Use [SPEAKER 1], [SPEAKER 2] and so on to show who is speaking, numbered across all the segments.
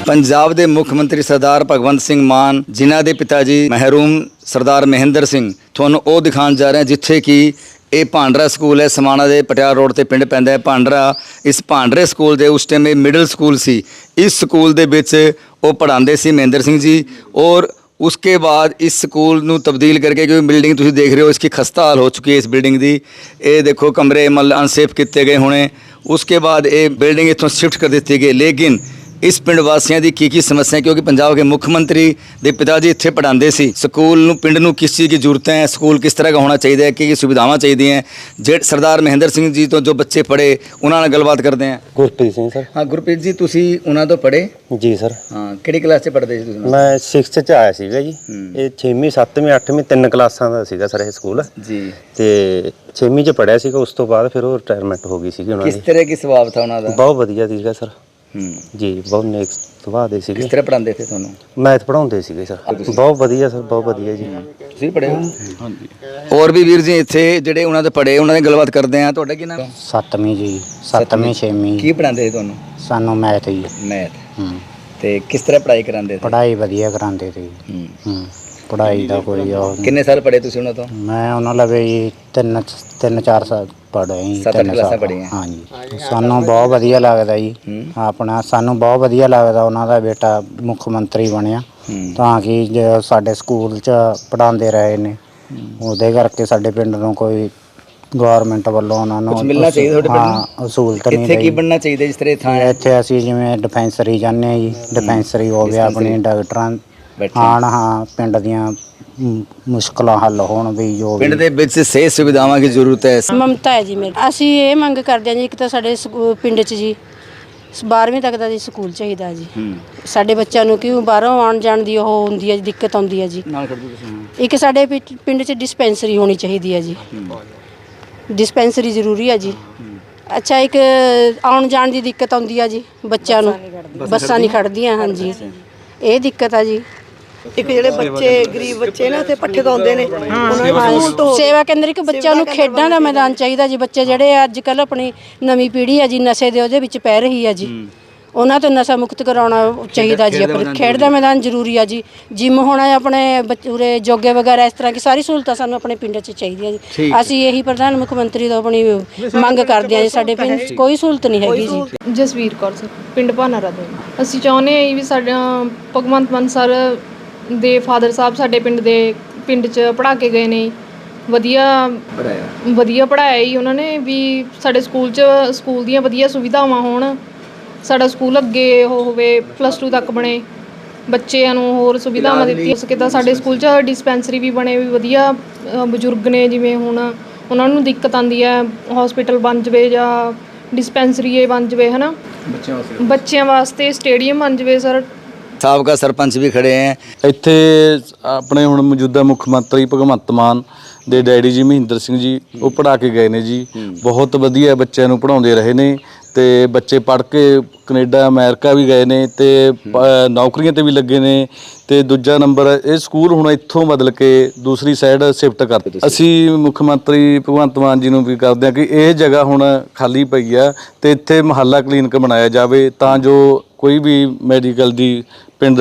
[SPEAKER 1] पंजाब के मुख्य मंत्री सरदार भगवंत सिंह मान जिन्हां दे पिता जी महरूम सरदार महेंद्र सिंह तुहानूं वो दिखाउण जा रहे हैं जिथे कि ये भांडरा स्कूल है। समाणा के पटियाला रोड ते पिंड पैंदा है भांडरा। इस भांडरे स्कूल के उस टाइम मिडल स्कूल सी। इस स्कूल दे विच वो पढ़ाते सी महेंद्र सिंह जी। और उसके बाद इस स्कूल नूं तब्दील करके, क्योंकि बिल्डिंग तुसीं देख रहे हो इसकी खस्ता हाल हो चुकी है इस बिल्डिंग की। ये देखो कमरे मतलब अनसेफ किए गए होने। उसके बाद ये बिल्डिंग इत्थों शिफ्ट कर दी गई। लेकिन इस पिंड वासियों की समस्या, क्योंकि पंजाब के मुख्यमंत्री के पिता जी इत्थे पढ़ाते सी। स्कूल नूं पिंड नूं किस चीज़ की जरूरत है, स्कूल किस तरह का होना चाहिए, की सुविधावां चाहिए हैं। जे सरदार महेंद्र सिंह जी तो जो बच्चे पढ़े उन्होंने गलबात करते हैं।
[SPEAKER 2] गुरप्रीत सिंह सर।
[SPEAKER 1] हाँ गुरप्रीत जी, तुसी उन्होंने तो पढ़े
[SPEAKER 2] जी सर।
[SPEAKER 1] हाँ, किहड़ी क्लास च पढ़ते सी तुसीं?
[SPEAKER 2] मैं 6th च आया सीगा जी। ये 6वीं 7वीं 8वीं 3 क्लासां ਦਾ ਸੀਗਾ ਸਰ ਇਹ ਸਕੂਲ
[SPEAKER 1] जी।
[SPEAKER 2] ਤੇ 6ਵੀਂ ਚ ਪੜਿਆ ਸੀਗਾ। ਉਸ ਤੋਂ ਬਾਅਦ ਫਿਰ ਉਹ ਰਿਟਾਇਰਮੈਂਟ ਹੋ ਗਈ ਸੀਗੀ ਉਹਨਾਂ ਦੀ।
[SPEAKER 1] किस तरह की स्वभाव था उन्होंने?
[SPEAKER 2] ਬਹੁਤ ਵਧੀਆ ਸੀਗਾ ਸਰ ਜੀ। ਬਹੁਤ ਨੇਕ ਸੁਭਾਅ ਦੇ ਸੀਗੇ।
[SPEAKER 1] किस तरह पढ़ाते थे तुहानूं?
[SPEAKER 2] ਮੈਥ ਪੜਾਉਂਦੇ ਸੀਗੇ ਸਰ। ਬਹੁਤ ਵਧੀਆ ਸਰ, ਬਹੁਤ ਵਧੀਆ ਜੀ।
[SPEAKER 1] ਤੁਸੀਂ ਪੜ੍ਹੇ ਹੋ? ਹਾਂਜੀ। ਹੋਰ ਵੀ ਵੀਰ ਜੀ ਇੱਥੇ ਜਿਹੜੇ ਉਹਨਾਂ ਦੇ ਪੜ੍ਹੇ ਉਹਨਾਂ ਦੀ ਗੱਲਬਾਤ ਕਰਦੇ ਆ। ਤੁਹਾਡਾ ਕੀ ਨਾਮ?
[SPEAKER 3] 7ਵੀਂ ਜੀ। 7ਵੀਂ 6ਵੀਂ
[SPEAKER 1] ਕੀ ਪੜ੍ਹਾਉਂਦੇ ਸੀ ਤੁਹਾਨੂੰ?
[SPEAKER 3] ਸਾਨੂੰ ਮੈਥ ਜੀ।
[SPEAKER 1] ਮੈਥ। ਤੇ ਕਿਸ ਤਰ੍ਹਾਂ ਪੜ੍ਹਾਈ ਕਰਾਉਂਦੇ ਸੀ?
[SPEAKER 3] ਪੜ੍ਹਾਈ ਵਧੀਆ ਕਰਾਉਂਦੇ ਸੀ। ਪੜ੍ਹਾਈ ਦਾ ਕੋਈ ਉਹ ਨਹੀਂ।
[SPEAKER 1] ਕਿੰਨੇ ਸਾਲ ਪੜ੍ਹੇ ਤੁਸੀਂ ਉਹਨਾਂ ਤੋਂ?
[SPEAKER 3] ਮੈਂ ਉਹਨਾਂ ਲਵੇ ਜੀ 3-4 ਸਾਲ ਪੜ੍ਹੇ ਜੀ।
[SPEAKER 1] 7-8 ਕਲਾਸਾਂ ਪੜ੍ਹੀਆਂ।
[SPEAKER 3] ਹਾਂਜੀ। ਸਾਨੂੰ ਬਹੁਤ ਵਧੀਆ ਲੱਗਦਾ ਜੀ ਆਪਣਾ। ਸਾਨੂੰ ਬਹੁਤ ਵਧੀਆ ਲੱਗਦਾ ਉਹਨਾਂ ਦਾ ਬੇਟਾ ਮੁੱਖ ਮੰਤਰੀ ਬਣਿਆ, ਤਾਂ ਕਿ ਜੋ ਸਾਡੇ ਸਕੂਲ 'ਚ ਪੜ੍ਹਾਉਂਦੇ ਰਹੇ ਨੇ ਉਹਦੇ ਕਰਕੇ ਸਾਡੇ ਪਿੰਡ ਨੂੰ ਕੋਈ ਗੌਰਮੈਂਟ ਵੱਲੋਂ ਉਹਨਾਂ ਨੂੰ
[SPEAKER 1] ਮਿਲਣਾ ਚਾਹੀਦਾ ਤੁਹਾਡੇ ਪਿੰਡ ਨੂੰ।
[SPEAKER 3] ਹਾਂ, ਸਹੂਲਤ ਨਹੀਂ
[SPEAKER 1] ਇੱਥੇ ਕੀ ਬਣਨਾ ਚਾਹੀਦਾ ਜਿਸ ਤਰ੍ਹਾਂ ਥਾਂ ਹੈ?
[SPEAKER 3] ਇੱਥੇ ਅਸੀਂ ਜਿਵੇਂ ਡਿਸਪੈਂਸਰੀ ਜਾਂਦੇ ਹਾਂ ਜੀ। ਡਿਸਪੈਂਸਰੀ ਹੋ ਗਿਆ ਆਪਣੀ, ਡਾਕਟਰਾਂ ਆਉਣ, ਹਾਂ ਪਿੰਡ ਦੀਆਂ ਮੁਸ਼ਕਲਾਂ ਹੱਲ ਹੋਣ ਵੀ। ਜੋ
[SPEAKER 1] ਪਿੰਡ ਦੇ ਵਿੱਚ ਸਿਹਤ ਸੁਵਿਧਾਵਾਂ ਦੀ ਜ਼ਰੂਰਤ ਹੈ।
[SPEAKER 4] ਮਮਤਾ ਹੈ ਜੀ ਮੇਰੀ। ਅਸੀਂ ਇਹ ਮੰਗ ਕਰਦੇ ਹਾਂ ਜੀ, ਇੱਕ ਤਾਂ ਸਾਡੇ ਪਿੰਡ 'ਚ ਜੀ 12ਵੀਂ ਤੱਕ ਦਾ ਜੀ ਸਕੂਲ ਚਾਹੀਦਾ ਜੀ ਸਾਡੇ ਬੱਚਿਆਂ ਨੂੰ, ਕਿਉਂ ਬਾਹਰੋਂ ਆਉਣ ਜਾਣ ਦੀ ਉਹ ਹੁੰਦੀ ਹੈ ਜੀ, ਦਿੱਕਤ ਆਉਂਦੀ ਹੈ ਜੀ। ਇੱਕ ਸਾਡੇ ਪਿੰਡ 'ਚ ਡਿਸਪੈਂਸਰੀ ਹੋਣੀ ਚਾਹੀਦੀ ਹੈ ਜੀ। ਡਿਸਪੈਂਸਰੀ ਜ਼ਰੂਰੀ ਹੈ ਜੀ। ਅੱਛਾ, ਇੱਕ ਆਉਣ ਜਾਣ ਦੀ ਦਿੱਕਤ ਆਉਂਦੀ ਹੈ ਜੀ ਬੱਚਿਆਂ ਨੂੰ, ਬੱਸਾਂ ਨਹੀਂ ਖੜ੍ਹਦੀਆਂ। ਹਾਂਜੀ, ਇਹ ਦਿੱਕਤ ਆ ਜੀ।
[SPEAKER 5] ਇੱਕ ਜਿਹੜੇ ਬੱਚੇ ਗਰੀਬ ਬੱਚੇ ਨੇ ਉੱਥੇ ਪੱਠੇ ਤੋਂ ਆਉਂਦੇ ਨੇ, ਉਹਨਾਂ ਨੂੰ
[SPEAKER 4] ਸੇਵਾ ਕੇਂਦਰ ਇੱਕ ਬੱਚਿਆਂ ਨੂੰ ਖੇਡਾਂ ਦਾ ਮੈਦਾਨ ਚਾਹੀਦਾ ਜੀ। ਬੱਚੇ ਜਿਹੜੇ ਅੱਜ ਕੱਲ੍ਹ ਆਪਣੀ ਨਵੀਂ ਪੀੜ੍ਹੀ ਹੈ ਜੀ ਨਸ਼ੇ ਦੇ ਉਹਦੇ ਵਿੱਚ ਪੈ ਰਹੀ ਹੈ ਜੀ, ਉਹਨਾਂ ਤੋਂ ਨਸ਼ਾ ਮੁਕਤ ਕਰਾਉਣਾ ਚਾਹੀਦਾ ਜੀ। ਆਪਣੇ ਖੇਡ ਦਾ ਮੈਦਾਨ ਜ਼ਰੂਰੀ ਆ ਜੀ। ਜਿੰਮ ਹੋਣਾ ਆਪਣੇ ਉਰੇ ਜੋਗੇ ਵਗੈਰਾ ਇਸ ਤਰ੍ਹਾਂ ਦੀ ਸਾਰੀ ਸਹੂਲਤਾਂ ਸਾਨੂੰ ਆਪਣੇ ਪਿੰਡ 'ਚ ਚਾਹੀਦੀਆਂ ਜੀ। ਅਸੀਂ ਇਹੀ ਪ੍ਰਧਾਨ ਮੁੱਖ ਮੰਤਰੀ ਤੋਂ ਆਪਣੀ ਮੰਗ ਕਰਦੇ ਹਾਂ ਜੀ। ਸਾਡੇ ਪਿੰਡ 'ਚ ਕੋਈ ਸਹੂਲਤ ਨਹੀਂ ਹੈਗੀ ਜੀ।
[SPEAKER 6] ਜਸਵੀਰ ਕੌਰ ਸਰ, ਪਿੰਡ ਭਾਨਾਰਾ ਤੋਂ। ਅਸੀਂ ਚਾਹੁੰਦੇ ਹਾਂ ਵੀ ਸਾਡਾ ਭਗਵੰਤ ਮਾਨ ਸਰ ਦੇ ਫਾਦਰ ਸਾਹਿਬ ਸਾਡੇ ਪਿੰਡ 'ਚ ਪੜ੍ਹਾ ਕੇ ਗਏ ਨੇ। ਵਧੀਆ ਪੜ੍ਹਾਇਆ ਜੀ ਉਹਨਾਂ ਨੇ ਵੀ। ਸਾਡੇ ਸਕੂਲ ਦੀਆਂ ਵਧੀਆ ਸੁਵਿਧਾਵਾਂ ਹੋਣ। ਸਾਡਾ ਸਕੂਲ ਅੱਗੇ ਉਹ ਹੋਵੇ, +2 ਤੱਕ ਬਣੇ, ਬੱਚਿਆਂ ਨੂੰ ਹੋਰ ਸੁਵਿਧਾਵਾਂ ਦਿੱਤੀਆਂ ਸਕੇ। ਤਾਂ ਸਾਡੇ ਸਕੂਲ 'ਚ ਡਿਸਪੈਂਸਰੀ ਵੀ ਬਣੇ ਵੀ ਵਧੀਆ। ਬਜ਼ੁਰਗ ਨੇ ਜਿਵੇਂ ਹੁਣ ਉਹਨਾਂ ਨੂੰ ਦਿੱਕਤ ਆਉਂਦੀ ਹੈ, ਹੌਸਪੀਟਲ ਬਣ ਜਾਵੇ ਜਾਂ ਡਿਸਪੈਂਸਰੀ ਬਣ ਜਾਵੇ, ਹੈ ਨਾ। ਬੱਚਿਆਂ ਵਾਸਤੇ ਸਟੇਡੀਅਮ ਬਣ ਜਾਵੇ ਸਰ।
[SPEAKER 1] ਸਾਬਕਾ ਸਰਪੰਚ ਵੀ ਖੜੇ ਹੈ
[SPEAKER 7] ਇੱਥੇ ਆਪਣੇ। ਹੁਣ ਮੌਜੂਦਾ ਮੁੱਖ ਮੰਤਰੀ ਭਗਵੰਤ ਮਾਨ ਦੇ ਡੈਡੀ ਜੀ ਮਹਿੰਦਰ ਸਿੰਘ ਜੀ ਉਹ ਪੜ੍ਹਾ ਕੇ ਗਏ ਨੇ ਜੀ। ਬਹੁਤ ਵਧੀਆ ਬੱਚਿਆਂ ਨੂੰ ਪੜ੍ਹਾਉਂਦੇ ਰਹੇ ਨੇ ਤੇ ਬੱਚੇ ਪੜ੍ਹ ਕੇ ਕੈਨੇਡਾ ਅਮਰੀਕਾ ਵੀ ਗਏ ਨੇ ਤੇ ਨੌਕਰੀਆਂ ਤੇ ਵੀ ਲੱਗੇ ਨੇ। ਤੇ ਦੂਜਾ ਨੰਬਰ, ਇਹ ਸਕੂਲ ਹੁਣ ਇੱਥੋਂ ਬਦਲ ਕੇ ਦੂਸਰੀ ਸਾਈਡ ਸ਼ਿਫਟ ਕਰ ਦਿੱਤੇ। ਅਸੀਂ ਮੁੱਖ ਮੰਤਰੀ ਭਗਵੰਤ ਮਾਨ ਜੀ ਨੂੰ ਵੀ ਕਰਦੇ ਹਾਂ ਕਿ ਇਹ ਜਗ੍ਹਾ ਹੁਣ ਖਾਲੀ ਪਈ ਆ ਤੇ ਇੱਥੇ ਮੁਹੱਲਾ ਕਲੀਨਿਕ ਬਣਾਇਆ ਜਾਵੇ, ਤਾਂ ਜੋ ਕੋਈ ਵੀ ਮੈਡੀਕਲ ਦੀ ਪਿੰਡ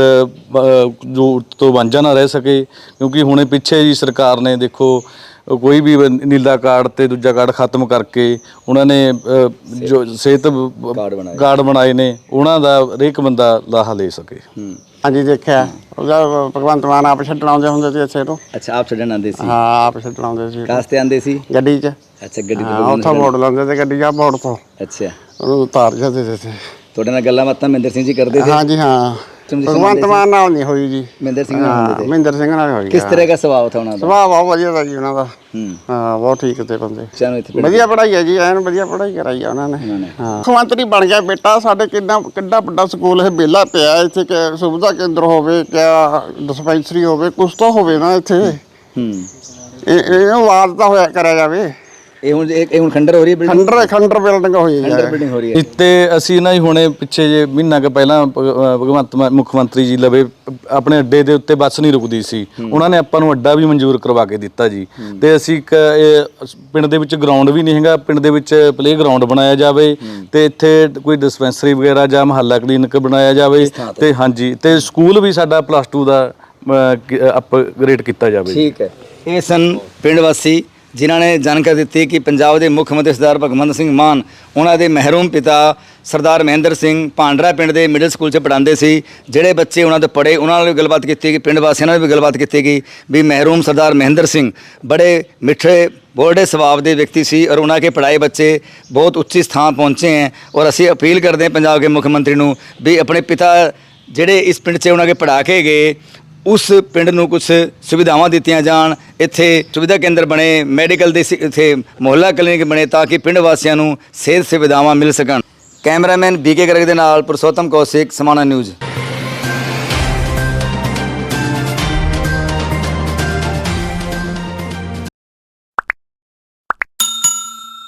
[SPEAKER 7] ਜ਼ਰੂਰਤ ਤੋਂ ਵਾਂਝਾ ਨਾ ਰਹਿ ਸਕੇ। ਕਿਉਂਕਿ ਹੁਣੇ ਪਿੱਛੇ ਜੀ ਸਰਕਾਰ ਨੇ ਦੇਖੋ ਕੋਈ ਵੀ ਨੀਲਾ ਕਾਰਡ ਤੇ ਦੂਜਾ ਕਾਰਡ ਖਤਮ ਕਰਕੇ ਉਹਨਾਂ ਨੇ ਜੋ ਸਿਹਤ ਕਾਰਡ ਬਣਾਏ ਨੇ, ਉਹਨਾਂ ਦਾ ਹਰੇਕ ਬੰਦਾ ਲਾਹਾ ਲੈ ਸਕੇ।
[SPEAKER 3] ਹਾਂਜੀ, ਦੇਖਿਆ ਉਹਦਾ ਭਗਵੰਤ ਮਾਨ ਆਪ ਛੱਡਣ ਆਉਂਦੇ ਹੁੰਦੇ ਸੀ ਇੱਥੇ ਤੋਂ।
[SPEAKER 1] ਅੱਛਾ, ਆਪ ਛੱਡਣ ਆਉਂਦੇ ਸੀ?
[SPEAKER 3] ਹਾਂ, ਆਪ ਛੱਡਣ ਆਉਂਦੇ ਸੀ।
[SPEAKER 1] ਕਾਸਤੇ ਆਉਂਦੇ ਸੀ?
[SPEAKER 3] ਗੱਡੀ 'ਚ।
[SPEAKER 1] ਅੱਛਾ, ਗੱਡੀ
[SPEAKER 3] ਤੇ ਉੱਥੋਂ ਮੋੜ ਲਾਉਂਦੇ ਤੇ ਗੱਡੀ ਆ ਮੋੜ ਤੋਂ।
[SPEAKER 1] ਅੱਛਾ,
[SPEAKER 3] ਉਹਨੂੰ ਉਤਾਰ ਜਾਂਦੇ ਸੀ।
[SPEAKER 1] ਤੁਹਾਡੇ ਨਾਲ ਗੱਲਾਂ ਬਾਤਾਂ ਮਹਿੰਦਰ ਸਿੰਘ ਜੀ ਕਰਦੇ ਸੀ?
[SPEAKER 3] ਹਾਂਜੀ ਹਾਂ। ਭਗਵੰਤ ਮਾਨ ਨਾਲ ਨਹੀਂ ਹੋਈ ਜੀ,
[SPEAKER 1] ਮਹਿੰਦਰ ਸਿੰਘ ਨਾਲ।
[SPEAKER 3] ਮਹਿੰਦਰ ਸਿੰਘ ਨਾਲ ਹੋਈ।
[SPEAKER 1] ਕਿਸ ਤਰ੍ਹਾਂ ਦਾ ਸੁਭਾਅ था ਉਹਨਾਂ ਦਾ?
[SPEAKER 3] ਸੁਭਾਅ ਬਹੁਤ ਵਧੀਆ था ਜੀ ਉਹਨਾਂ ਦਾ। ਹਾਂ, ਬਹੁਤ ਠੀਕ ਤੇ ਬੰਦੇ। ਵਧੀਆ ਪੜ੍ਹਾਈ ਹੈ ਜੀ, ਐਨ ਵਧੀਆ ਪੜ੍ਹਾਈ ਕਰਾਈ ਆ ਉਹਨਾਂ ਨੇ। ਹਾਂ, ਮੁੱਖ ਮੰਤਰੀ ਬਣ ਗਿਆ ਬੇਟਾ। ਸਾਡੇ ਕਿੰਨਾ ਵੱਡਾ ਸਕੂਲ ਇਹ ਵਿਹਲਾ ਪਿਆ। ਇੱਥੇ ਸੁਵਿਧਾ ਕੇਂਦਰ ਹੋਵੇ, ਕਿਆ ਡਿਸਪੈਂਸਰੀ ਹੋਵੇ, ਕੁਛ ਤਾਂ ਹੋਵੇ ਨਾ ਇੱਥੇ। ਇਹ ਆਵਾਜ਼ ਤਾਂ ਹੋਇਆ ਕਰਿਆ ਜਾਵੇ।
[SPEAKER 1] ਇਹ ਹੁਣ ਖੰਡਰ ਹੋ ਰਹੀ ਹੈ ਬਿਲਡਿੰਗ,
[SPEAKER 3] ਖੰਡਰ ਬਿਲਡਿੰਗ ਹੋਈ
[SPEAKER 1] ਖੰਡਰ ਬਿਲਡਿੰਗ ਹੋ ਰਹੀ ਹੈ।
[SPEAKER 7] ਤੇ ਅਸੀਂ ਨਾ ਜੀ ਹੁਣੇ ਪਿੱਛੇ ਜੇ ਮਹੀਨਾ ਕੁ ਪਹਿਲਾਂ ਮੁੱਖ ਮੰਤਰੀ ਜੀ ਲਵੇ ਆਪਣੇ ਅੱਡੇ ਦੇ ਉੱਤੇ ਬੱਸ ਨਹੀਂ ਰੁਕਦੀ ਸੀ, ਉਹਨਾਂ ਨੇ ਆਪਾਂ ਨੂੰ ਅੱਡਾ ਵੀ ਮਨਜ਼ੂਰ ਕਰਵਾ ਕੇ ਦਿੱਤਾ ਜੀ। ਤੇ ਅਸੀਂ ਪਿੰਡ ਦੇ ਵਿੱਚ ਗਰਾਊਂਡ ਵੀ ਨਹੀਂ ਹੈਗਾ, ਪਿੰਡ ਦੇ ਵਿੱਚ ਪਲੇ ਗਰਾਊਂਡ ਬਣਾਇਆ ਜਾਵੇ ਤੇ ਇੱਥੇ ਕੋਈ ਡਿਸਪੈਂਸਰੀ ਵਗੈਰਾ ਜਾਂ ਮੁਹੱਲਾ ਕਲੀਨਿਕ ਬਣਾਇਆ ਜਾਵੇ ਤੇ ਹਾਂਜੀ ਤੇ ਸਕੂਲ ਵੀ ਸਾਡਾ +2 ਦਾ ਅਪਗ੍ਰੇਡ ਕੀਤਾ ਜਾਵੇ।
[SPEAKER 1] ਠੀਕ ਹੈ, ਇਹ ਸਨ ਪਿੰਡ ਵਾਸੀ ਜਿਨ੍ਹਾਂ ਨੇ ਜਾਣਕਾਰੀ ਦਿੱਤੀ ਕਿ ਪੰਜਾਬ ਦੇ ਮੁੱਖ ਮੰਤਰੀ ਸਰਦਾਰ ਭਗਵੰਤ ਸਿੰਘ ਮਾਨ ਉਹਨਾਂ ਦੇ ਮਹਿਰੂਮ ਪਿਤਾ ਸਰਦਾਰ ਮਹਿੰਦਰ ਸਿੰਘ ਭਾਂਡਰਾ ਪਿੰਡ ਦੇ ਮਿਡਲ ਸਕੂਲ 'ਚ ਪੜ੍ਹਾਉਂਦੇ ਸੀ। ਜਿਹੜੇ ਬੱਚੇ ਉਹਨਾਂ ਦੇ ਪੜ੍ਹੇ ਉਹਨਾਂ ਨਾਲ ਵੀ ਗੱਲਬਾਤ ਕੀਤੀ ਗਈ, ਪਿੰਡ ਵਾਸੀਆਂ ਨਾਲ ਵੀ ਗੱਲਬਾਤ ਕੀਤੀ ਗਈ ਵੀ ਮਹਿਰੂਮ ਸਰਦਾਰ ਮਹਿੰਦਰ ਸਿੰਘ ਬੜੇ ਮਿੱਠੇ ਬੋਲਡੇ ਸੁਭਾਅ ਦੇ ਵਿਅਕਤੀ ਸੀ ਔਰ ਉਹਨਾਂ ਕੇ ਪੜ੍ਹਾਏ ਬੱਚੇ ਬਹੁਤ ਉੱਚੀ ਸਥਾਨ ਪਹੁੰਚੇ हैं। ਔਰ ਅਸੀਂ ਅਪੀਲ ਕਰਦੇ ਹਾਂ ਪੰਜਾਬ ਦੇ ਮੁੱਖ ਮੰਤਰੀ ਨੂੰ ਵੀ ਆਪਣੇ ਪਿਤਾ ਜਿਹੜੇ ਇਸ ਪਿੰਡ 'ਚ ਉਹਨਾਂ ਕੇ ਪੜ੍ਹਾ ਕੇ ਗਏ ਉਸ ਪਿੰਡ ਨੂੰ ਕੁਝ ਸੁਵਿਧਾਵਾਂ ਦਿੱਤੀਆਂ ਜਾਣ, ਇੱਥੇ ਸੁਵਿਧਾ ਕੇਂਦਰ ਬਣੇ, ਮੈਡੀਕਲ ਦੇ ਇੱਥੇ ਮੁਹੱਲਾ ਕਲੀਨਿਕ ਬਣੇ ਤਾਂ ਕਿ ਪਿੰਡ ਵਾਸੀਆਂ ਨੂੰ ਸਿਹਤ ਸੁਵਿਧਾਵਾਂ ਮਿਲ ਸਕਣ। ਕੈਮਰਾਮੈਨ BK ਗਰਗ ਦੇ ਨਾਲ ਪੁਰਸ਼ੋਤਮ ਕੌਸ਼ਿਕ, ਸਮਾਣਾ ਨਿਊਜ਼।